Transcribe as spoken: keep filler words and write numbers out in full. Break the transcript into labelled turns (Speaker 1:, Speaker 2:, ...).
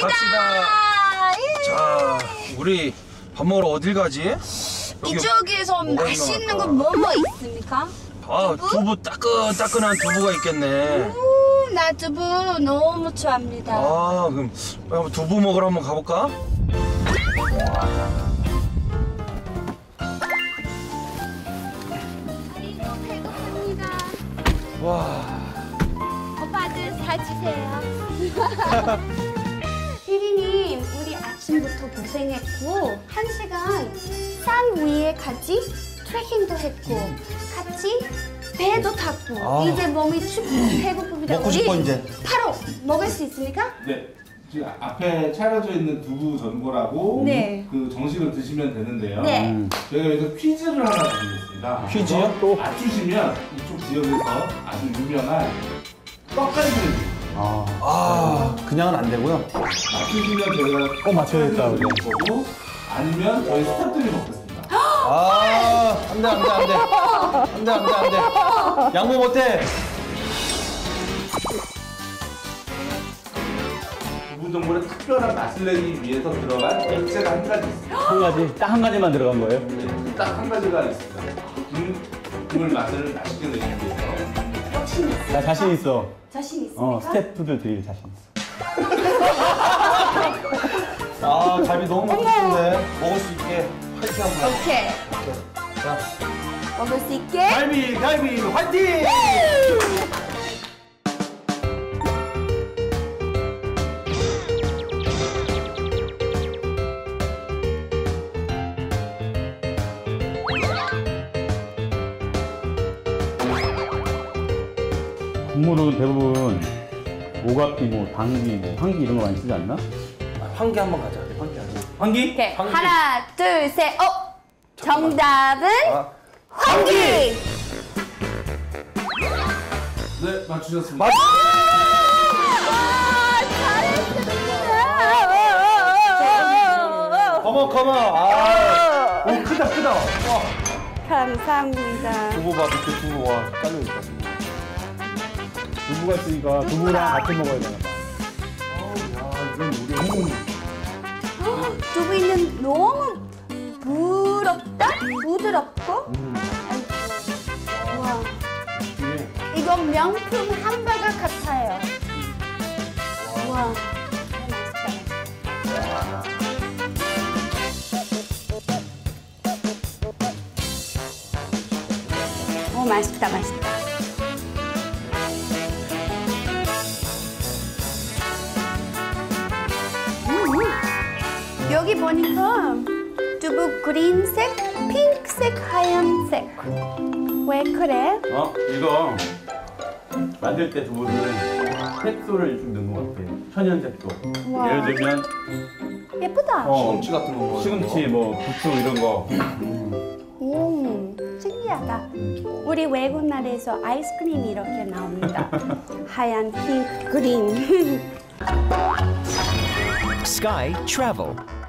Speaker 1: 갑시다.
Speaker 2: 예.
Speaker 1: 자, 우리 밥 먹으러 어딜 가지? 여기
Speaker 2: 이쪽에서
Speaker 1: 뭐가
Speaker 2: 맛있는
Speaker 1: 유명할까?
Speaker 2: 거 뭐 뭐 있습니까?
Speaker 1: 아, 두부 따끈따끈한 두부가 있겠네.
Speaker 2: 오, 나 두부 너무 좋아합니다.
Speaker 1: 아, 그럼 한번 두부 먹으러 한번 가볼까?
Speaker 2: 그리고 배고픕니다.
Speaker 1: 와,
Speaker 2: 오빠들 사주세요. 피디님, 우리 아침부터 고생했고 한 시간 산 위에 같이 트레킹도 했고 같이 배도 탔고
Speaker 1: 아.
Speaker 2: 이제 몸이 춥고 배고픕니다.
Speaker 3: 먹고
Speaker 2: 우리
Speaker 3: 싶어, 이제.
Speaker 2: 바로 먹을 수 있습니까?
Speaker 4: 네. 지금 앞에 차려져 있는 두부 전골하고
Speaker 2: 네.
Speaker 4: 그 정식을 드시면 되는데요.
Speaker 2: 네.
Speaker 4: 저희가 여기서 퀴즈를 하나 드리겠습니다.
Speaker 3: 퀴즈요? 또?
Speaker 4: 맞추시면 이쪽 지역에서 아주 유명한 떡갈비를
Speaker 3: 아, 아, 그냥은 안 되고요.
Speaker 4: 맞추시면 저희가
Speaker 3: 꼭 맞춰야겠다, 우리.
Speaker 4: 떡갈비를 먹을 거고 아니면 저희 스태프들이 먹겠습니다.
Speaker 3: 아, 안 돼, 안 돼, 안 돼. 안 돼, 안 돼, 안 돼. 양보 못해.
Speaker 4: 두부 전골에 특별한 맛을 내기 위해서 들어간 액체가 한 가지 있습니다.
Speaker 5: 한 가지, 딱 한 가지만 들어간 거예요?
Speaker 4: 네, 딱 한 가지가 있습니다. 국, 국물 맛을 맛있게 내기 위해서.
Speaker 2: 욕심 있어.
Speaker 5: 나 자신 있어.
Speaker 2: 자신 있습니까?
Speaker 5: 어, 스태프들 드릴 자신 있어.
Speaker 3: 아, 갈비 너무 먹고 싶은데. 먹을 수 있게 화이팅 한번 해.
Speaker 2: 오케이.
Speaker 3: 자,
Speaker 2: 먹을 수 있게.
Speaker 3: 갈비, 갈비, 화이팅!
Speaker 5: 국물은 대부분 오갑기, 뭐 당기, 뭐 황기 이런 거 많이 쓰지 않나?
Speaker 3: 환기 한번 가자. 환기 하자. 환기?
Speaker 2: 오케이.
Speaker 3: 환기.
Speaker 2: 하나, 둘, 셋. 어? 정답은
Speaker 3: 아,
Speaker 2: 환기.
Speaker 4: 네, 맞추셨습니다.
Speaker 3: 맞-
Speaker 2: 아, 잘했습니다.
Speaker 3: 컴온, 컴온. 아, 오, 크다, 크다. 어.
Speaker 2: 감사합니다.
Speaker 3: 두부 봐, 밑에 두부 와. 깔려있다.
Speaker 5: 두부가 있으니까 두부랑 같이 먹어야 되나 봐.
Speaker 3: 야, 이건 우리 한국.
Speaker 2: 두부는 너무 부럽다? 부드럽고?
Speaker 3: 음.
Speaker 2: 와,
Speaker 3: 이게
Speaker 2: 이건 명품 hamburger 같아요. 와. 오, 맛있다, 맛있다. 음, 여기 보니까 두부 그린색, 핑크색, 하얀색. 왜 그래?
Speaker 5: 어? 이거 만들 때 두부는 색소를 좀 넣은 것 같아. 천연 색소.
Speaker 2: 우와.
Speaker 5: 예를 들면
Speaker 2: 예쁘다.
Speaker 5: 어,
Speaker 3: 시금치 같은 거 먹어요.
Speaker 5: 시금치, 뭐 부추 이런 거.
Speaker 2: 오, 신기하다. 우리 외국 나라에서 아이스크림이 이렇게 나옵니다. 하얀, 핑크, 그린.
Speaker 6: Sky Travel.